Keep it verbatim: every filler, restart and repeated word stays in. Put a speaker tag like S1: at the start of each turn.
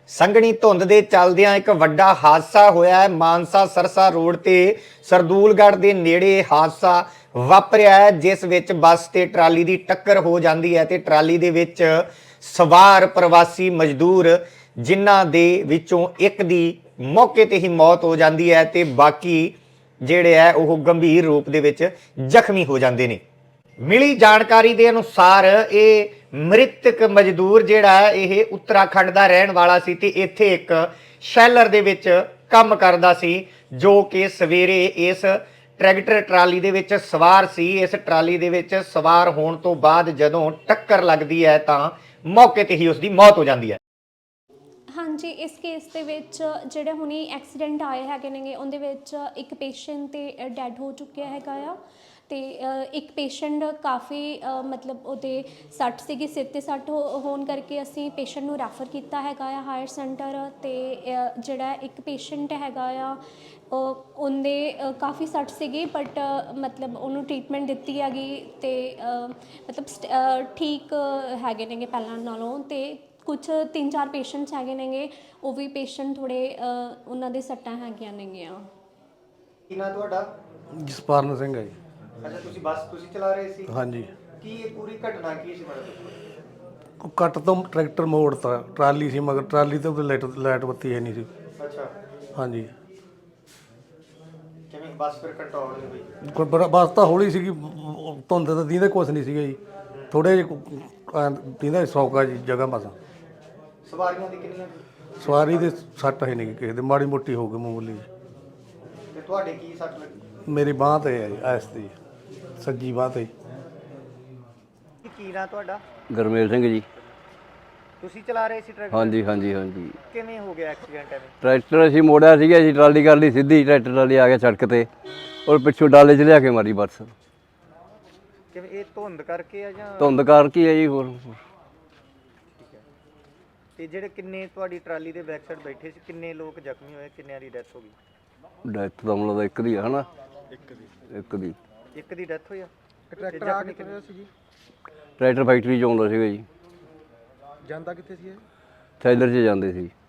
S1: ਸੰਘਣੀ ਧੁੰਦ ਦੇ ਚੱਲਦਿਆਂ ਇੱਕ ਵੱਡਾ ਹਾਦਸਾ ਹੋਇਆ ਹੈ। ਮਾਨਸਾ ਸਰਸਾ ਰੋਡ ਤੇ ਸਰਦੂਲਗੜ੍ਹ ਦੇ ਨੇੜੇ ਹਾਦਸਾ ਵਾਪਰਿਆ ਹੈ, ਜਿਸ ਵਿੱਚ ਬੱਸ ਤੇ ਟਰਾਲੀ ਦੀ ਟੱਕਰ ਹੋ ਜਾਂਦੀ ਹੈ ਤੇ ਟਰਾਲੀ ਦੇ ਵਿੱਚ ਸਵਾਰ ਪ੍ਰਵਾਸੀ ਮਜ਼ਦੂਰ ਜਿਨ੍ਹਾਂ ਦੇ ਵਿੱਚੋਂ ਇੱਕ ਦੀ ਮੌਕੇ ਤੇ ਹੀ ਮੌਤ ਹੋ ਜਾਂਦੀ ਹੈ ਤੇ ਬਾਕੀ ਜਿਹੜੇ ਹੈ ਉਹ ਗੰਭੀਰ ਰੂਪ ਦੇ ਵਿੱਚ ਜ਼ਖਮੀ ਹੋ ਜਾਂਦੇ ਨੇ। ਮਿਲੀ ਜਾਣਕਾਰੀ ਦੇ ਅਨੁਸਾਰ ਇਹ ਮ੍ਰਿਤਕ ਮਜ਼ਦੂਰ ਜਿਹੜਾ ਹੈ ਇਹ ਉੱਤਰਾਖੰਡ ਦਾ ਰਹਿਣ ਵਾਲਾ ਸੀ ਤੇ ਇੱਥੇ ਇੱਕ ਸ਼ੈਲਰ ਦੇ ਵਿੱਚ ਕੰਮ ਕਰਦਾ ਸੀ, ਜੋ ਕਿ ਸਵੇਰੇ ਇਸ ਟਰੈਕਟਰ ਟਰਾਲੀ ਦੇ ਵਿੱਚ ਸਵਾਰ ਸੀ। ਇਸ ਟਰਾਲੀ ਦੇ ਵਿੱਚ ਸਵਾਰ ਹੋਣ ਤੋਂ ਬਾਅਦ ਜਦੋਂ ਟੱਕਰ ਲੱਗਦੀ ਹੈ ਤਾਂ ਮੌਕੇ ਤੇ ਹੀ ਉਸ ਦੀ ਮੌਤ ਹੋ ਜਾਂਦੀ ਹੈ।
S2: ਹਾਂਜੀ, ਇਸ ਕੇਸ ਦੇ ਵਿੱਚ ਜਿਹੜੇ ਹੁਣੀ ਐਕਸੀਡੈਂਟ ਆਏ ਹੈਗੇ ਨੇਗੇ ਉਹਦੇ ਵਿੱਚ ਇੱਕ ਪੇਸ਼ੈਂਟ ਤੇ ਡੈਡ ਹੋ ਚੁੱਕਿਆ ਹੈਗਾ ਆ ਤੇ ਇੱਕ ਪੇਸ਼ੈਂਟ ਕਾਫੀ ਮਤਲਬ ਉਹਦੇ ਸੱਟ ਸੀਗੀ, ਸਿਰ 'ਤੇ ਸੱਟ ਹੋਣ ਕਰਕੇ ਅਸੀਂ ਪੇਸ਼ੈਂਟ ਨੂੰ ਰੈਫਰ ਕੀਤਾ ਹੈਗਾ ਆ ਹਾਇਰ ਸੈਂਟਰ। ਤੇ ਜਿਹੜਾ ਇੱਕ ਪੇਸ਼ੈਂਟ ਹੈਗਾ ਆ ਉਹਦੇ ਕਾਫੀ ਸੱਟ ਸੀਗੀ ਬਟ ਮਤਲਬ ਉਹਨੂੰ ਟਰੀਟਮੈਂਟ ਦਿੱਤੀ ਹੈਗੀ ਤੇ ਮਤਲਬ ਠੀਕ ਹੈਗੇ ਨੇਗੇ ਪਹਿਲਾਂ ਨਾਲੋਂ। ਤੇ ਕੁਛ ਤਿੰਨ ਚਾਰ ਪੇਸ਼ੈਂਟਸ ਹੈਗੇ ਨੇਗੇ, ਉਹ ਵੀ ਪੇਸ਼ੈਂਟ ਥੋੜ੍ਹੇ ਉਹਨਾਂ ਦੇ ਸੱਟਾਂ ਹੈਗੀਆਂ ਨੇਗੀਆਂ।
S1: ਕੀ ਨਾਂ ਤੁਹਾਡਾ?
S3: ਜਸਪਾਰਨ ਸਿੰਘ ਹੈ ਜੀ।
S1: ਅੱਛਾ, ਤੁਸੀਂ ਬੱਸ ਤੁਸੀਂ ਚਲਾ ਰਹੇ ਸੀ?
S3: ਹਾਂਜੀ।
S1: ਕੀ ਇਹ ਪੂਰੀ ਘਟਨਾ ਕੀ ਸੀ ਮਤਲਬ?
S3: ਕੱਟ ਤੋਂ ਟਰੈਕਟਰ ਮੋੜਤਾ, ਟਰਾਲੀ ਸੀ ਮਗਰ ਟਰਾਲੀ ਤੇ ਉਹਦੇ ਲਾਈਟ ਲਾਈਟ ਬੱਤੀ ਹੈ ਨਹੀਂ ਸੀ।
S1: ਅੱਛਾ,
S3: ਹਾਂਜੀ।
S1: ਕਿਵੇਂ ਬੱਸ ਫਿਰ ਕੰਟਰੋਲ ਨਹੀਂ ਹੋਈ?
S3: ਕੋਈ ਬੜਾ ਬੱਸ ਤਾਂ ਹੌਲੀ ਸੀਗੀ, ਧੁੰਦ ਤਾਂ ਦੀਂਦੇ ਕੁਛ ਨਹੀਂ ਸੀਗਾ ਜੀ, ਥੋੜ੍ਹੇ ਜਿਹੇ ਦੀਂਦਾ ਸੌਕਾ ਜੀ ਜਗ੍ਹਾ ਬਸ।
S1: ਸਵਾਰੀਆਂ ਦੀ ਕਿੰਨੀਆਂ?
S3: ਸਵਾਰੀ ਦੇ ਸੱਟ ਹੈ ਨਹੀਂ ਕਿਸੇ ਦੇ, ਮਾੜੀ ਮੋਟੀ ਹੋ ਗਈ ਮਾਮੂਲੀ ਜੀ।
S1: ਤੇ ਤੁਹਾਡੇ ਕੀ ਸੱਟ ਲੱਗੀ?
S3: ਮੇਰੀ ਬਾਂਹ 'ਤੇ ਹੈ ਜੀ, ਐਸ ਦੀ ਸੱਜੀ ਬਾਂਹ 'ਤੇ।
S1: ਕੀ ਨਾਂ ਤੁਹਾਡਾ?
S4: ਗੁਰਮੇਲ ਸਿੰਘ ਜੀ।
S1: ਤੁਸੀਂ ਚਲਾ ਰਹੇ ਸੀ ਟਰੈਕਟਰ?
S4: ਹਾਂਜੀ ਹਾਂਜੀ ਹਾਂਜੀ।
S1: ਕਿਵੇਂ ਹੋ ਗਿਆ ਐਕਸੀਡੈਂਟ ਐਵੇਂ?
S4: ਟਰੈਕਟਰ ਅਸੀਂ ਮੋੜਿਆ ਸੀਗਾ ਜੀ, ਟਰਾਲੀ ਕਰ ਲਈ ਸਿੱਧੀ, ਟਰੈਕਟਰ ਟਰਾਲੀ ਆ ਗਿਆ ਸੜਕ ਤੇ ਔਰ ਪਿੱਛੋਂ ਡਾਲੇ 'ਚ ਲਿਆ ਕੇ ਮਾਰੀ ਬੱਸ।
S1: ਕਿਵੇਂ ਇਹ ਧੁੰਦ ਕਰਕੇ ਆ ਜਾਂ?
S4: ਧੁੰਦ ਕਰਕੇ ਹੈ ਜੀ। ਹੋਰ
S1: ਠੀਕ ਹੈ। ਤੇ ਜਿਹੜੇ ਕਿੰਨੇ ਤੁਹਾਡੀ ਟਰਾਲੀ ਦੇ ਬੈਕ ਸਾਈਡ ਬੈਠੇ ਸੀ, ਕਿੰਨੇ ਲੋਕ ਜ਼ਖਮੀ ਹੋਏ, ਕਿੰਨਿਆਂ ਦੀ ਡੈਥ ਹੋ ਗਈ?
S4: ਡੈਥ ਤਾਂ ਮਤਲਬ ਇੱਕ ਦੀ ਹੈ ਹਨਾ? ਇੱਕ ਦੀ ਇੱਕ ਦੀ
S1: ਇੱਕ ਦੀ ਡੈਥ ਹੋਈ ਆ।
S5: ਟਰੈਕਟਰ ਆ ਕਿੱਥੇ ਹੋਇਆ ਸੀ ਜੀ?
S4: ਟਰੈਕਟਰ ਫੈਕਟਰੀ 'ਚ ਆਉਂਦਾ ਸੀਗਾ ਜੀ।
S5: ਜਾਂਦਾ ਕਿੱਥੇ ਸੀ ਇਹ?
S4: ਥੈਲਰ 'ਚ ਜਾਂਦੇ ਸੀ।